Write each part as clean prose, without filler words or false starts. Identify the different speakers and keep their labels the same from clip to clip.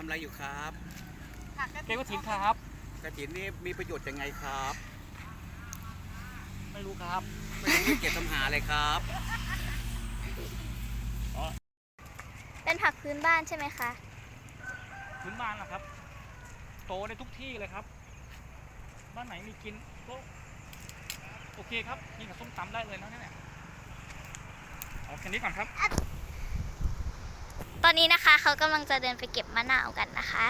Speaker 1: อะไรอยู่ครับ
Speaker 2: เก็บกระถินครับ
Speaker 1: กระถินนี่มีประโยชน์ยังไงครับ
Speaker 2: ไม่รู้ครับ
Speaker 1: ไม่รู้เก็บทำหาอะไรครับ
Speaker 3: เป็นผักพื้นบ้านใช่ไหมคะ
Speaker 2: พื้นบ้านนะครับโตได้ทุกที่เลยครับบ้านไหนมีกินก็โอเคครับกินกับส้มตำได้เลยนะเนี่ยเอาแค่นี้ก่อนครับ
Speaker 3: ตอนนี้นะคะเขากำลังจะเดินไปเก็บมะนาวกันนะคะ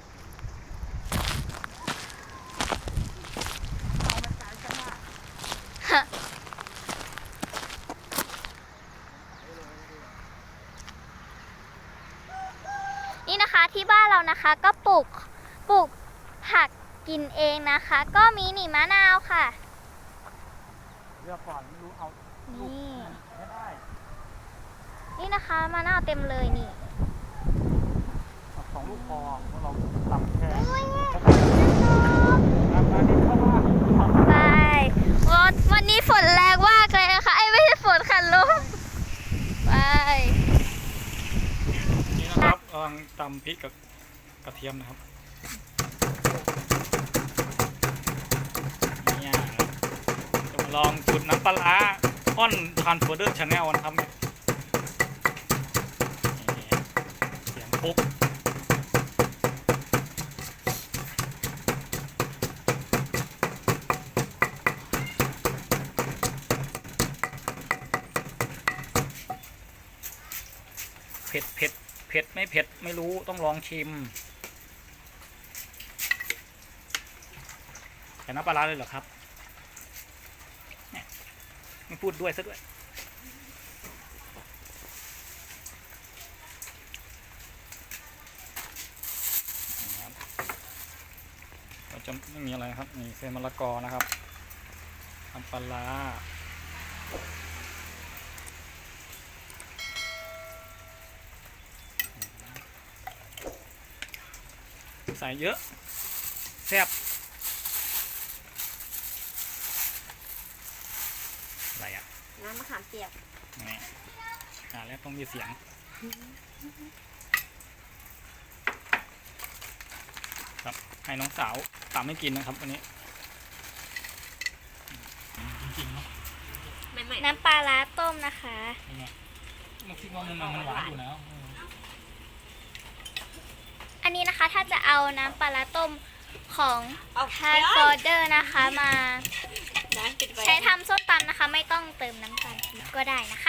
Speaker 3: นี่นะคะที่บ้านเรานะคะก็ปลูกผักกินเองนะคะ ก็มีนี่มะนาวค่ะ
Speaker 2: เลือกก่อนไม่รู้เอา
Speaker 3: นี่
Speaker 2: ไม่ได้
Speaker 3: นี่นะคะมะนาวเต็มเลยนี่
Speaker 2: 2 ลูกพอเราตำแค่
Speaker 3: ไปวันนี้ฝนแรงมากเลยนะคะไอ้ไม่ใช่ฝนค่ะลมไป
Speaker 2: นี่นะครับกำลังตำพริกกับกระเทียมนะครับเนี่ยจะมาลองสูตรน้ำปลาอ้อนทานฟอร์เดอร์ชาแนลนะครับเนี่ยเสียงปุ๊บเผ็ดไม่เผ็ดไม่รู้ต้องลองชิมแต่น้ำปลาเลยเหรอครับไม่พูดด้วยซะด้วยเราจะไม่มีอะไรครับมีเส้นมะละกอนะครับน้ำปลาใส่เยอะแซ่บอะไรอ่ะ
Speaker 3: น้ำมะขามเปียก
Speaker 2: นี่แล้วต้องมีเสียงครับให้น้องสาวตามให้กินนะครับวันนี้จริงๆเนาะ
Speaker 3: น้ำปลาร้าต้มนะคะ
Speaker 2: มันคิดว่ามันหวานอยู่แล้ว
Speaker 3: อันนี้นะคะถ้าจะเอาน้ำปลาร้าต้มของไทยฟอร์เดอร์นะคะมาใช้ทำส้มตำนะคะไม่ต้องเติมน้ำตาลปี๊บก็ได้นะคะ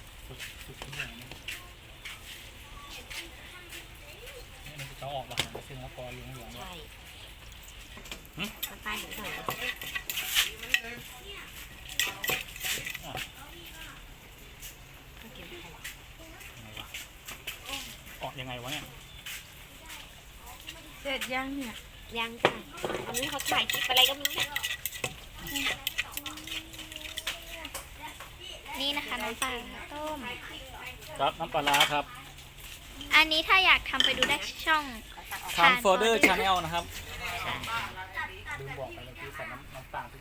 Speaker 2: มันจะออกหวานซึ่งแล้วก็เหลืองๆใช่
Speaker 3: น้ำตาลหน่อย
Speaker 2: ออกยังไงวะเนี่ย
Speaker 4: เสร็จยังเนี่ย
Speaker 3: ยังค่ะอันนี้เขาถ่ายคลิปอะไรก็ไม่รู้นี่นะคะน้ำปลาต้ม
Speaker 2: ครับน้ำปลาครับ
Speaker 3: อันนี้ถ้าอยากทำไปดูได้ช่อง
Speaker 2: ทานฟอร์เดอร์ชาแนลนะครับลืมบอกไปเลยคือใส่น้ำตาล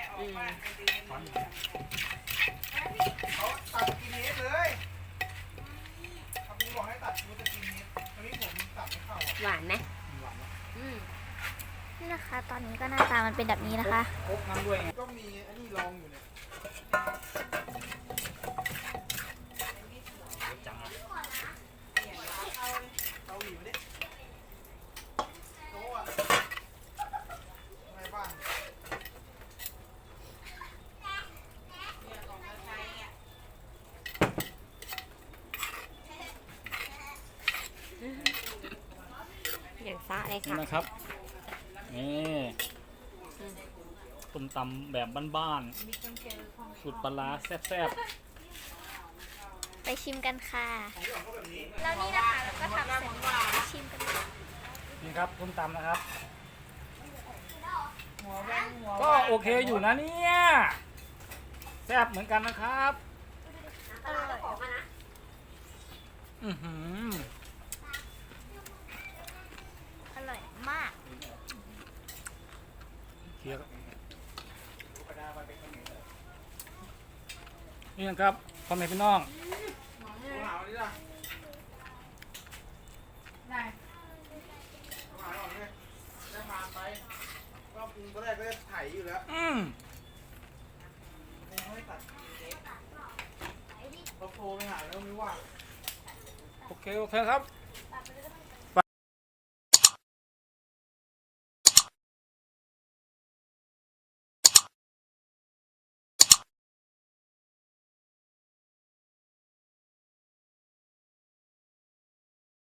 Speaker 1: เขาตัดกินเนสเลยเขาบอกให้ตัดกูจะกินเนสตอนนี้ผมตัดไม่เข้า
Speaker 3: หวานไหมนี่นะคะตอนนี้ก็หน้าตามันเป็นแบบนี้นะคะ
Speaker 2: ครบน้ำด้วย
Speaker 1: ก็มีอันนี้ลองอยู่เนี่ย
Speaker 2: จังอ่ะ
Speaker 1: เกาหลีมาดิโต๊ะอะในบ้าน
Speaker 3: อย่างซะเลยค่ะ
Speaker 2: นี่นะครับนี่ต้มตำแบบบ้านๆสูตรปลาแซ่บ
Speaker 3: ไปชิมกันค่ะแล้วนี่นะคะเราก็ทำเสร็จไปชิมกัน
Speaker 2: นี่ครับต้มตำนะครับก็โอเคอยู่นะเนี่ยแซ่บเหมือนกันนะครับ
Speaker 3: อร่อยมาก
Speaker 2: นี่นะครับพ่อแม่พี่น้อง
Speaker 1: อยู่แล้ว
Speaker 2: อืม
Speaker 1: ไม่ให้ตัดกินเน็ตเราโทรไปหาแล้วไม่ว่าง
Speaker 2: โอเคครับ
Speaker 3: ตัดไปเลยก็ได้